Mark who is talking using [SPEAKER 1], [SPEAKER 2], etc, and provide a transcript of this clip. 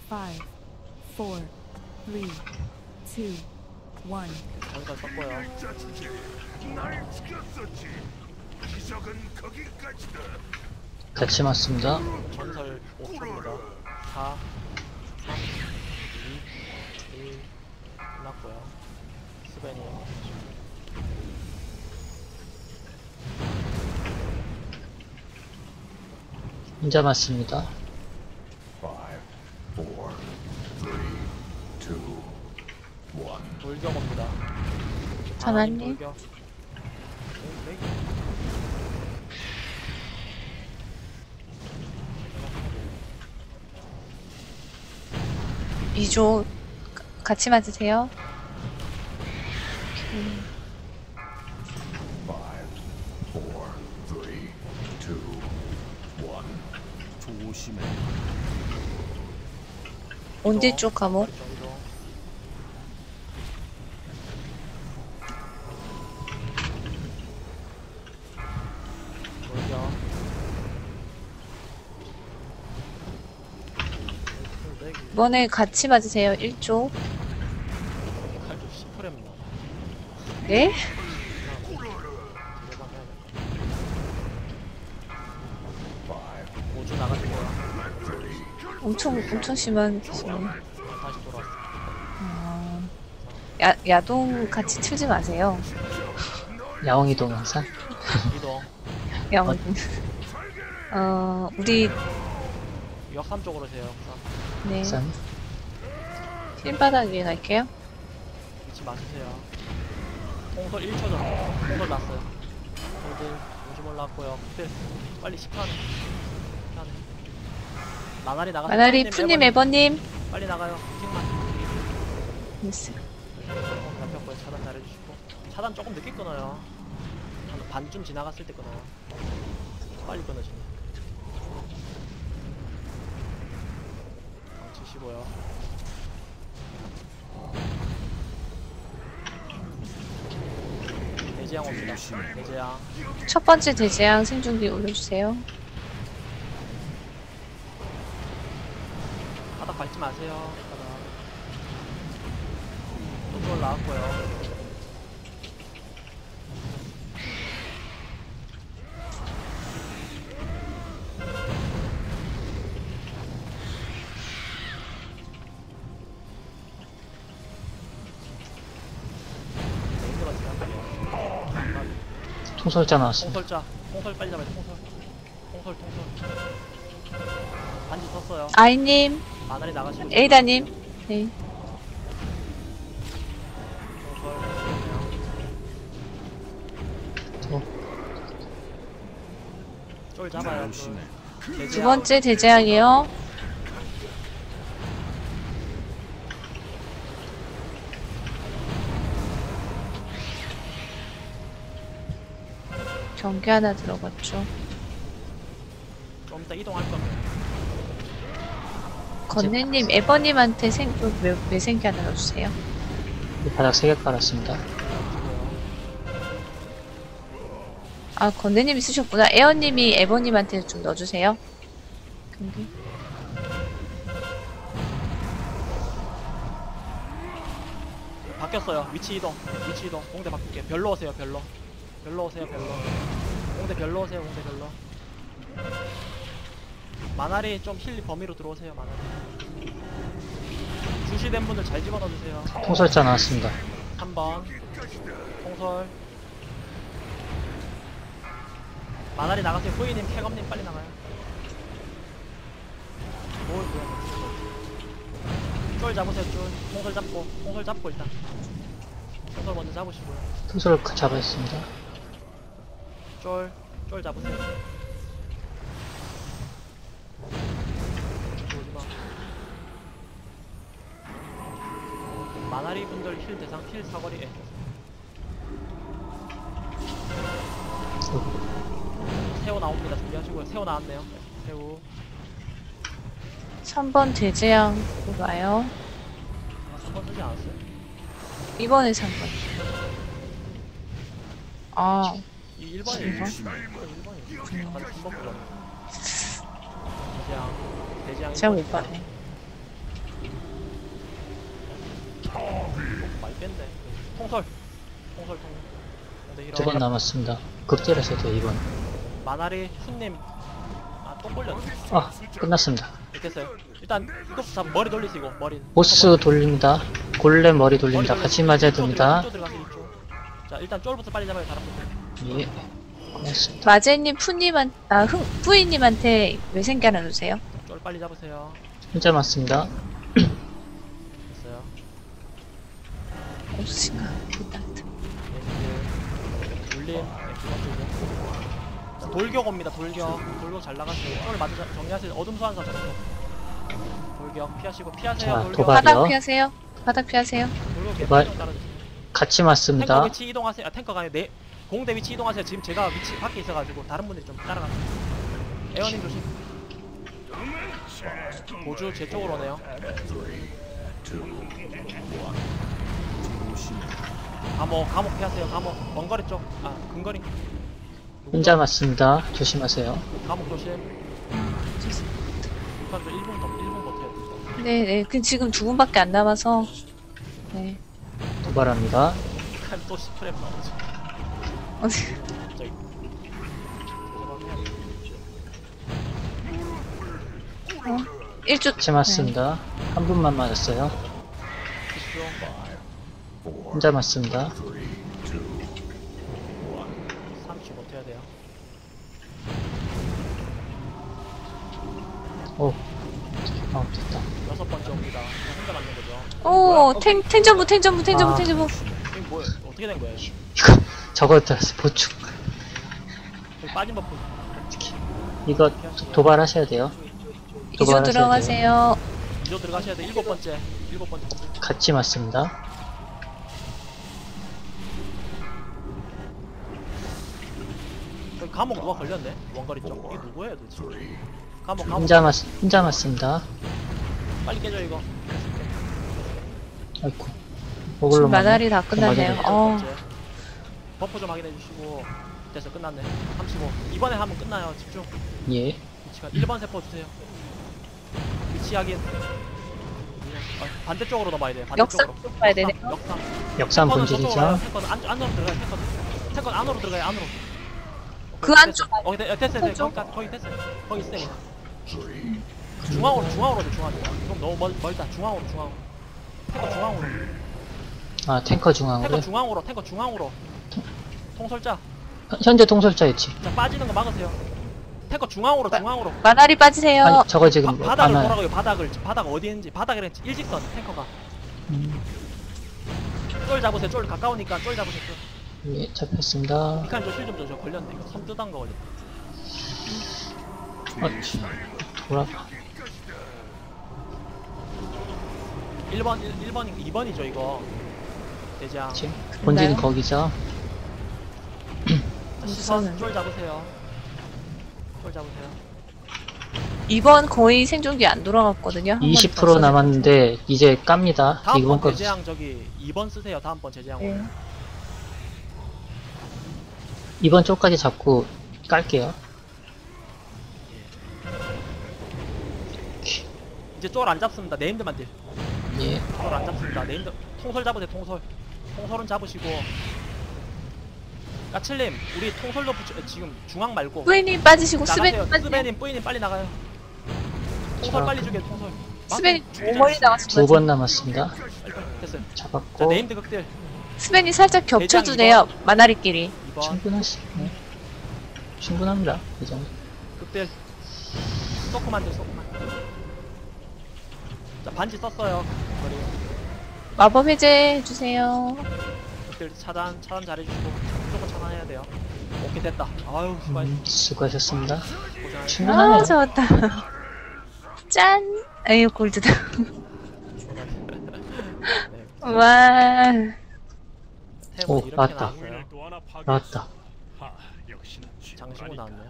[SPEAKER 1] 5, 4, 3, 2, 1.
[SPEAKER 2] 잠깐 썼고요.
[SPEAKER 3] 날 지켰었지. 기적은 거기까지다.
[SPEAKER 4] 같이 맞습니다.
[SPEAKER 2] 전설 5초입니다. 4, 3, 2, 1 끝났고요. 스벤이
[SPEAKER 4] 혼자 맞습니다.
[SPEAKER 3] 5, 4, 3, 2, 1.
[SPEAKER 2] 돌격 옵니다.
[SPEAKER 5] 하나님.
[SPEAKER 2] 돌격.
[SPEAKER 5] 미조 같이 맞으세요.
[SPEAKER 3] 5, 4, 3, 2, 1. 조심해.
[SPEAKER 5] 온디 쪽 감옥.
[SPEAKER 2] 정도. 돌격.
[SPEAKER 5] 이번에 같이 맞으세요. 1조.
[SPEAKER 2] 칼도 10%입니다.
[SPEAKER 5] 네?
[SPEAKER 2] 5주 나가시고요.
[SPEAKER 5] 엄청 심한 기술.
[SPEAKER 2] 다시 돌아왔어요.
[SPEAKER 5] 야동 같이 틀지 마세요.
[SPEAKER 4] 야옹이동 항상.
[SPEAKER 2] 이동.
[SPEAKER 5] 야동. 우리
[SPEAKER 2] 역삼 쪽으로 세요. 역삼.
[SPEAKER 5] 네
[SPEAKER 4] 항상.
[SPEAKER 5] 힐바닥 위에 갈게요.
[SPEAKER 2] 위치 맞으세요. 통솔 1초 전. 통솔 났어요. 홀드. 오줌 올라왔고요. 네. 빨리 10칸. 나날이 나가세요.
[SPEAKER 5] 마나리 푸님 에버님.
[SPEAKER 2] 빨리 나가요. 킹만.
[SPEAKER 5] 됐어요.
[SPEAKER 2] 잡혔고요. 차단 잘해주시고. 차단 조금 늦게 끊어요. 한 반쯤 지나갔을 때 끊어요. 빨리 끊어지네. 치시고요. 대재앙 옵니다. 대재앙.
[SPEAKER 5] 첫 번째 대재앙 생중기 올려주세요.
[SPEAKER 2] 바닥 밟지 마세요. 바닥. 또 나왔고요.
[SPEAKER 4] 통솔자 나왔습니다.
[SPEAKER 2] 통솔자. 통솔 빨리 잡아요. 통솔. 통솔. 반지 섰어요.
[SPEAKER 5] 아이님,
[SPEAKER 2] 마늘이 나가시고.
[SPEAKER 5] 에이다님. 네.
[SPEAKER 2] 통솔. 쫄 잡아요.
[SPEAKER 5] 두 번째 대재앙이요. 경계 하나 들어갔죠.
[SPEAKER 2] 좀 이따 이동할 겁니다.
[SPEAKER 5] 건네님, 에버님한테 매생기 하나 넣어주세요.
[SPEAKER 4] 바닥 3개 깔았습니다.
[SPEAKER 5] 아, 건네님이 쓰셨구나. 에어님이 에버님한테 좀 넣어주세요. 경계.
[SPEAKER 2] 바뀌었어요. 위치 이동. 공대 바꿀게. 별로 오세요. 별로 오세요. 공대 별로 오세요. 공대 별로. 마나리 좀 힐 범위로 들어오세요. 마나리. 주시된 분들 잘 집어넣어주세요.
[SPEAKER 4] 통솔자 나왔습니다.
[SPEAKER 2] 3번 통솔. 마나리 나가세요. 후이님, 캐검님 빨리 나가요. 쫄 잡으세요. 통솔 잡고 일단 통솔 먼저 잡으시고요.
[SPEAKER 4] 통솔 잡았습니다.
[SPEAKER 2] 쫄 잡으세요. 오지마. 마나리 분들 힐 대상 힐 사거리. 새우 나옵니다. 준비하시고요. 새우 나왔네요. 새우.
[SPEAKER 5] 3번 대재앙 와요.
[SPEAKER 2] 3번 쓰지 않았어요?
[SPEAKER 5] 이번에 3번. 아,
[SPEAKER 2] 이 1번이에요. 1번이에요. 아까 3번 불렀네. 대재앙.
[SPEAKER 5] 제가 못 봤네.
[SPEAKER 2] 깼네. 통솔 통솔 네, 힐업.
[SPEAKER 4] 2번 남았습니다. 극딜에서 돼 2번.
[SPEAKER 2] 마나리 훈님 또 걸렸네.
[SPEAKER 4] 아, 끝났습니다.
[SPEAKER 2] 됐어요. 일단 이것부터 잡 머리 돌리시고 머리
[SPEAKER 4] 보스 돌립니다. 골렘 머리 돌립니다.
[SPEAKER 2] 머리
[SPEAKER 4] 같이 맞아야 됩니다.
[SPEAKER 2] 이쪽 들어가세요, 이쪽. 자 일단 쫄부터 빨리 잡아요 다른 분들.
[SPEAKER 4] 예. 고맙습니다.
[SPEAKER 5] 마제님, 뿌이님한테 외생기 하나 주세요.
[SPEAKER 2] 쫄 빨리 잡으세요.
[SPEAKER 4] 혼자 맞습니다.
[SPEAKER 2] 됐어요.
[SPEAKER 5] 없으신가? 일단.
[SPEAKER 2] 울림 자, 돌격 옵니다. 돌격 잘 나갔어요. 쫄 맞아 정리하세요. 어둠 소환사 잡고 돌격 피하시고 피하세요.
[SPEAKER 4] 자,
[SPEAKER 2] 돌격.
[SPEAKER 4] 도발.
[SPEAKER 5] 바닥
[SPEAKER 4] 도발이요?
[SPEAKER 5] 피하세요. 바닥 피하세요.
[SPEAKER 2] 돌격
[SPEAKER 4] 도발.
[SPEAKER 2] 계속 따라주세요.
[SPEAKER 4] 같이
[SPEAKER 2] 탱커
[SPEAKER 4] 맞습니다.
[SPEAKER 2] 위치 이동하세요. 아 탱커가 아니라 공대 위치 이동하세요. 지금 제가 위치 밖에 있어가지고 다른 분들이 좀 따라가세요. 에어님 조심. 보주 제 쪽으로 오네요.
[SPEAKER 3] 3, 2, 1.
[SPEAKER 2] 감옥 피하세요. 감옥 먼거리 쪽. 아 근거리.
[SPEAKER 4] 혼자 맞습니다. 조심하세요.
[SPEAKER 2] 감옥 조심. 북한도 1분 버텨야 돼.
[SPEAKER 5] 네네. 그 지금 2분밖에 안 남아서. 네.
[SPEAKER 4] 도발합니다.
[SPEAKER 2] 북한 또 스프랩 나오죠. 저기.
[SPEAKER 5] 일주
[SPEAKER 4] 같이 맞습니다. 한 분만 맞았어요. 혼자 맞습니다.
[SPEAKER 2] 30 버텨야 돼요.
[SPEAKER 4] 오. 됐다.
[SPEAKER 2] 6번째 옵니다. 혼자 맞는 거죠.
[SPEAKER 5] 오, 탱전부.
[SPEAKER 2] 이게 뭐야? 어떻게 된 거야?
[SPEAKER 4] 이거, 저거 들었어. 보충.
[SPEAKER 2] 여기 빠진 버프.
[SPEAKER 4] 이거 도발하셔야 돼요.
[SPEAKER 5] 2조 들어가세요.
[SPEAKER 2] 2조 들어가셔야 돼. 7번째.
[SPEAKER 4] 같이 맞습니다.
[SPEAKER 2] 여기 감옥 누가 걸렸네? 원거리 쪽. 이게 누구예요 도대체? 감옥.
[SPEAKER 4] 혼자 맞습니다.
[SPEAKER 2] 빨리 깨져 이거.
[SPEAKER 4] 아이고.
[SPEAKER 5] 지금
[SPEAKER 4] 먹을로
[SPEAKER 5] 마다리 다 끝났네요.
[SPEAKER 4] 맞아요.
[SPEAKER 2] 번째. 버프 좀 확인해 주시고. 됐어 끝났네. 35. 이번에 하면 끝나요. 집중.
[SPEAKER 4] 예.
[SPEAKER 2] 위치가 1번 세포 주세요. 위치 확인. 반대쪽으로 넘어야 돼.
[SPEAKER 5] 역삼
[SPEAKER 2] 반대쪽으로.
[SPEAKER 5] 쪽 봐야 되네.
[SPEAKER 2] 역삼.
[SPEAKER 4] 역삼
[SPEAKER 2] 탱커는
[SPEAKER 4] 본질이죠.
[SPEAKER 2] 저쪽으로 가요. 탱커는 안으로 들어가요. 탱커는 안으로 들어가요. 안으로.
[SPEAKER 5] 그 안쪽.
[SPEAKER 2] 됐어요.
[SPEAKER 5] 안쪽.
[SPEAKER 2] 거기 됐어요. 거기 있어요. 중앙으로 돼. 중앙으로. 그럼 너무 멀다. 중앙으로. 탱커 중앙으로.
[SPEAKER 4] 아, 탱커 중앙으로.
[SPEAKER 2] 탱커 중앙으로. 통솔자.
[SPEAKER 4] 현재 통솔자 위치.
[SPEAKER 2] 자 빠지는 거 막으세요. 탱커 중앙으로.
[SPEAKER 5] 마다리 빠지세요.
[SPEAKER 4] 아니, 저거 지금
[SPEAKER 2] 바닥을
[SPEAKER 4] 안 와요.
[SPEAKER 2] 돌아가요. 바닥 어디 있는지. 바닥이랑 일직선 탱커가. 쫄 잡으세요. 쫄 가까우니까 쫄 잡으세요.
[SPEAKER 4] 예, 잡혔습니다.
[SPEAKER 2] 이칸 좀실좀 줘. 저 걸렸네. 이거 섬 뜯은 거 걸렸다.
[SPEAKER 4] 돌아.
[SPEAKER 2] 1번 2번이죠 이거. 대장.
[SPEAKER 4] 지금 본진 거기죠.
[SPEAKER 2] 자, 시선 쫄 잡으세요.
[SPEAKER 5] 2번 거의 생존기 안 돌아갔거든요. 한
[SPEAKER 4] 20%
[SPEAKER 5] 번더 써야
[SPEAKER 4] 남았는데 이제 깝니다.
[SPEAKER 2] 다음번
[SPEAKER 4] 이번 거
[SPEAKER 2] 제재양 저기 2번 쓰세요. 다음번 제재양.
[SPEAKER 5] 네.
[SPEAKER 4] 이번 쪽까지 잡고 깔게요.
[SPEAKER 2] 이제 쫄 안 잡습니다. 네임드만 딜.
[SPEAKER 4] 예.
[SPEAKER 2] 쫄 안 잡습니다. 네임드 통솔 잡으세요. 통솔은 잡으시고. 까칠님 우리 통솔로 지금 중앙 말고
[SPEAKER 5] 뿌이님 빠지시고
[SPEAKER 2] 나가세요.
[SPEAKER 5] 스벤 빠지세요.
[SPEAKER 2] 스베님 뿌이님 빨리 나가요. 통솔
[SPEAKER 4] 자.
[SPEAKER 2] 빨리 죽여. 통솔.
[SPEAKER 5] 스벤이 오머리 나왔습니다.
[SPEAKER 4] 2번 남았습니다.
[SPEAKER 2] 빨리. 됐어요. 자
[SPEAKER 4] 잡았고
[SPEAKER 2] 네임드 극딜.
[SPEAKER 5] 스벤이 살짝 겹쳐주네요. 마다리끼리.
[SPEAKER 2] 2번
[SPEAKER 4] 충분하시네. 충분합니다. 이 정도.
[SPEAKER 2] 극딜. 소크만 돼. 자 반지 썼어요. 머리.
[SPEAKER 5] 마법 해제 해주세요.
[SPEAKER 2] 극딜 차단 잘해주시고 무조건 차단해야 돼요. 오케이 됐다. 아유 수고하셨습니다.
[SPEAKER 4] 수고하셨습니다.
[SPEAKER 2] 고생하셨습니다.
[SPEAKER 4] 충분하네요.
[SPEAKER 5] 아, 좋았다. 짠! 에휴, 골드다.
[SPEAKER 2] 네.
[SPEAKER 5] 와.
[SPEAKER 2] 템은
[SPEAKER 4] 오,
[SPEAKER 2] 이렇게
[SPEAKER 4] 맞다.
[SPEAKER 2] 나왔어요.
[SPEAKER 4] 나왔다.
[SPEAKER 2] 장신구 나왔네요.